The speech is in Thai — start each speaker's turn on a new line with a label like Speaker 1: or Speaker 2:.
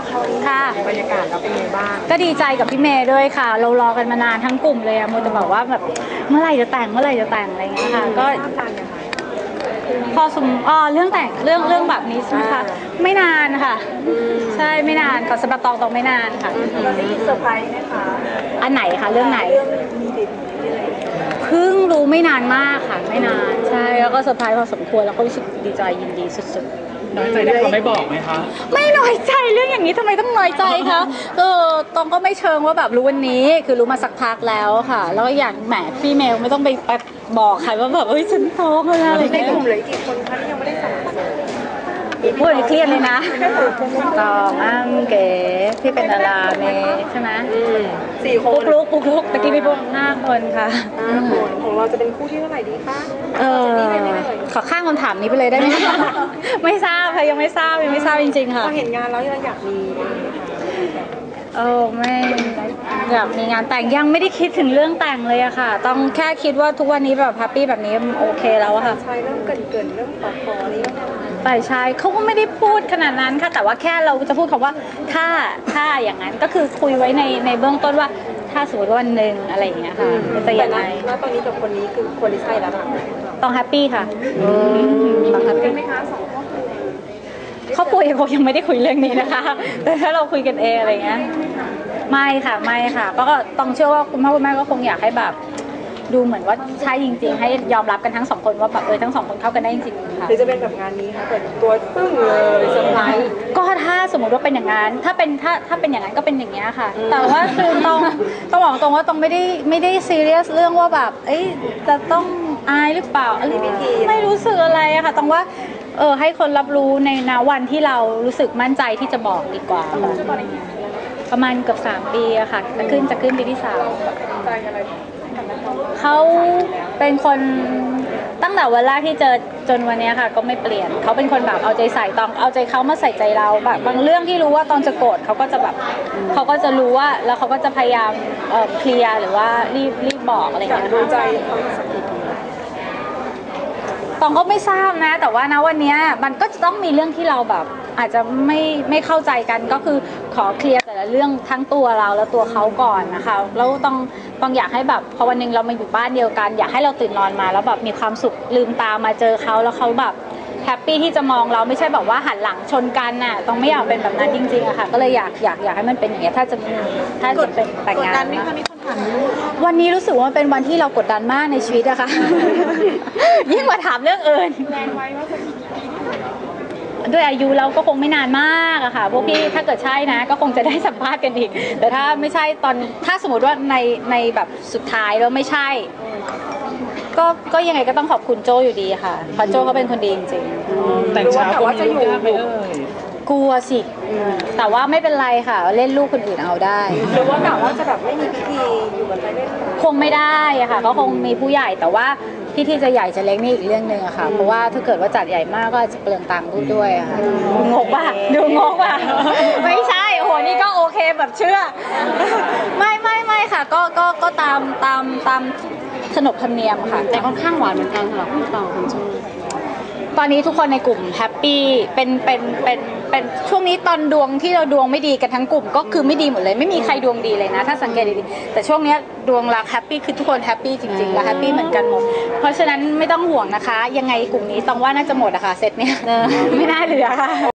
Speaker 1: ค่ะ
Speaker 2: บรรยากาศเราเป็นไงบ้าง
Speaker 1: ก็ดีใจกับพี่เมย์ด้วยค่ะเรารอกันมานานทั้งกลุ่มเลยอะโมจะบอกว่าแบบเมื่อไหร่จะแต่งอะไรอย่างเงี้ยค่ะก็พอเรื่องแต่งเรื่องแบบนี้ใช่ไหมคะไม่นานค่ะใช่ไม่นานค่ะสำหรับตองไม่นานค่ะ
Speaker 2: เราได้ยินเซอร์ไพรส์ไหมคะ
Speaker 1: อันไหนคะเรื่องไหนเพิ่งรู้ไม่นานมากค่ะไม่นานใช่แล้วก็เซอร์ไพรส์พอสมควรแล้วก็รู้สึกดีใจยินดีสุดๆ
Speaker 3: น้อยใจที่เขาไม่บอกไหมคะ
Speaker 1: ไม่น้อยใจเรื่องอย่างนี้ทำไมต้องน้อยใจคะตองก็ไม่เชิงว่าแบบรู้วันนี้คือรู้มาสักพักแล้วค่ะแล้วอย่างแหมพี่เมลไม่ต้องไปบอกใครว่าแบบฉันท้องอะไร
Speaker 2: ในกลุ่มเหลือกี่คนคะที่ยังไม่ได้สั่ง
Speaker 1: พูดเครียดเลยนะตองเก๋ที่เป็นดาราเมย์ใช่ไหม
Speaker 2: 4 คน
Speaker 1: ปุ๊กลุกตะกี้พี่ปุ๊ก5 คนค่ะ
Speaker 2: 5 คนของเราจะเป็นคู่ที่เท่าไหร่ดีคะ
Speaker 1: ขอข้ามคำถามนี้ไปเลยได้ไหมไม่ทราบค่ะยังไม่ทราบจริงๆค่ะ
Speaker 2: พอเห็นงานแล้วเราอยากมี
Speaker 1: ไม่อยากมีงานแต่งยังไม่ได้คิดถึงเรื่องแต่งเลยอะค่ะต้องแค่คิดว่าทุกวันนี้แบบแฮปปี้แบบนี้โอเคแล้วอะค่ะ
Speaker 2: ใช่เริ่มเกินเริ่มขอนี้
Speaker 1: ฝ่ายชายเขาก็ไม่ได้พูดขนาดนั้นค่ะแต่ว่าแค่เราจะพูดคำว่าถ้าอย่างนั้นก็คือคุยไว้ในเบื้องต้นว่าถ้าสมมติว่าวันหนึ่งอะไรอย่างเงี้ยค่ะจะยังไง
Speaker 2: แล้วตอนนี้กับคนนี้คือคนที่ใช่แล้วค่ะ
Speaker 1: ต้องแฮปปี้ค่ะต้องแฮปปี้
Speaker 2: ไหมคะ
Speaker 1: ครอบครัวยังไม่ได้คุยเรื่องนี้นะคะแต่ถ้าเราคุยกันเองอะไรเงี้ยไม่ค่ะก็ต้องเชื่อว่าคุณพ่อคุณแม่ก็คงอยากให้แบบดูเหมือนว่าใช่จริงๆให้ยอมรับกันทั้ง2 คนว่าแบบทั้ง2 คนเข้ากันได้จริงๆค่ะ
Speaker 2: หรือจะเป็นแบบงานนี้ค่ะเปิดตัวปึ้งเลยเซอร์ไพรส์
Speaker 1: ก็ถ้าสมมติว่าเป็นอย่างนั้นถ้าเป็นอย่างนั้นก็เป็นอย่างเงี้ยค่ะแต่ว่าคือต้องบอกตรงว่าต้องไม่ได้ซีเรียสเรื่องว่าแบบจะต้องอายหรือเปล่าไม่รู้สึกอะไรอะค่ะต้องว่าให้คนรับรู้ในณวันที่เรารู้สึกมั่นใจที่จะบอกดีกว่าประมาณเกือบ3 ปีอะค่ะจะขึ้นปีที่3เขาเป็นคนตั้งแต่วันแรกที่เจอจนวันนี้ค่ะก็ไม่เปลี่ยนเขาเป็นคนแบบเอาใจใส่ตองเอาใจเขามาใส่ใจเราแบบบางเรื่องที่รู้ว่าตองจะโกรธเขาก็จะแบบเขาก็จะรู้ว่าแล้วเขาก็จะพยายามเคลียร์หรือว่ารีบบอกอะไรอย่างเงี้ย
Speaker 2: ดูใจ
Speaker 1: ตองก็ไม่ทราบนะแต่ว่านะวันนี้มันก็จะต้องมีเรื่องที่เราแบบอาจจะไม่เข้าใจกันก็คือขอเคลียร์แต่ละเรื่องทั้งตัวเราและตัวเขาก่อนนะคะแล้วต้องอยากให้แบบพอวันนึงเรามาอยู่บ้านเดียวกันอยากให้เราตื่นนอนมาแล้วแบบมีความสุขลืมตามาเจอเขาแล้วเขาแบบแฮปปี้ที่จะมองเราไม่ใช่แบบว่าหันหลังชนกันน่ะต้องไม่อยากเป็นแบบนั้นจริงๆอะค่ะก็เลยอยากให้มันเป็นอย่างเงี้ยถ้าจะเป็นแต่งงานนะวันนี้รู้สึกว่าเป็นวันที่เรากดดันมากในชีวิตอะค่ะยิ่งกว่าถามเรื่องอื่นด้วยอายุเราก็คงไม่นานมากอะค่ะพวกพี่ถ้าเกิดใช่นะก็คงจะได้สัมภาษณ์กันอีกแต่ถ้าไม่ใช่ถ้าสมมติว่าในแบบสุดท้ายแล้วไม่ใช่ก็ยังไงก็ต้องขอบคุณโจอยู่ดีค่ะเพราะโจเขาเป็นคนดีจริง
Speaker 3: ๆแต่ช้าคนนี้ยากไหม
Speaker 1: กลัวสิแต่ว่าไม่เป็นไรค่ะเล่นลูกคนอื่นเอาได้
Speaker 2: หรือว่ากะว่าจะแบบไม่มีพิธีอยู่กันไปเล่น
Speaker 1: คงไม่ได้อะค่ะก็คงมีผู้ใหญ่แต่ว่าพิธีจะใหญ่จะเล็กนี่อีกเรื่องนึงอะค่ะเพราะว่าถ้าเกิดว่าจัดใหญ่มากก็จะเปลืองตังค์ด้วยอะค่ะงงป่ะดูงงป่ะไม่ใช่โหนี่ก็โอเคแบบเชื่อไม่ค่ะก็ตามขนบธรรมเนียมค่ะ
Speaker 4: แต่ค่อนข้างหวานเหมือนกันสำหรับคุณตองคุณจู
Speaker 1: ตอนนี้ทุกคนในกลุ่มแฮปปี้เป็นช่วงนี้ตอนดวงที่เราดวงไม่ดีกันทั้งกลุ่มก็คือไม่ดีหมดเลยไม่มีใครดวงดีเลยนะถ้าสังเกตดีๆแต่ช่วงนี้ดวงรักแฮปปี้คือทุกคนแฮปปี้จริงๆและแฮปปี้เหมือนกันหมดเพราะฉะนั้นไม่ต้องห่วงนะคะยังไงกลุ่มนี้ต้องว่าน่าจะหมดอะค่ะเซตเนี้ยไม่น่าเหลือค่ะ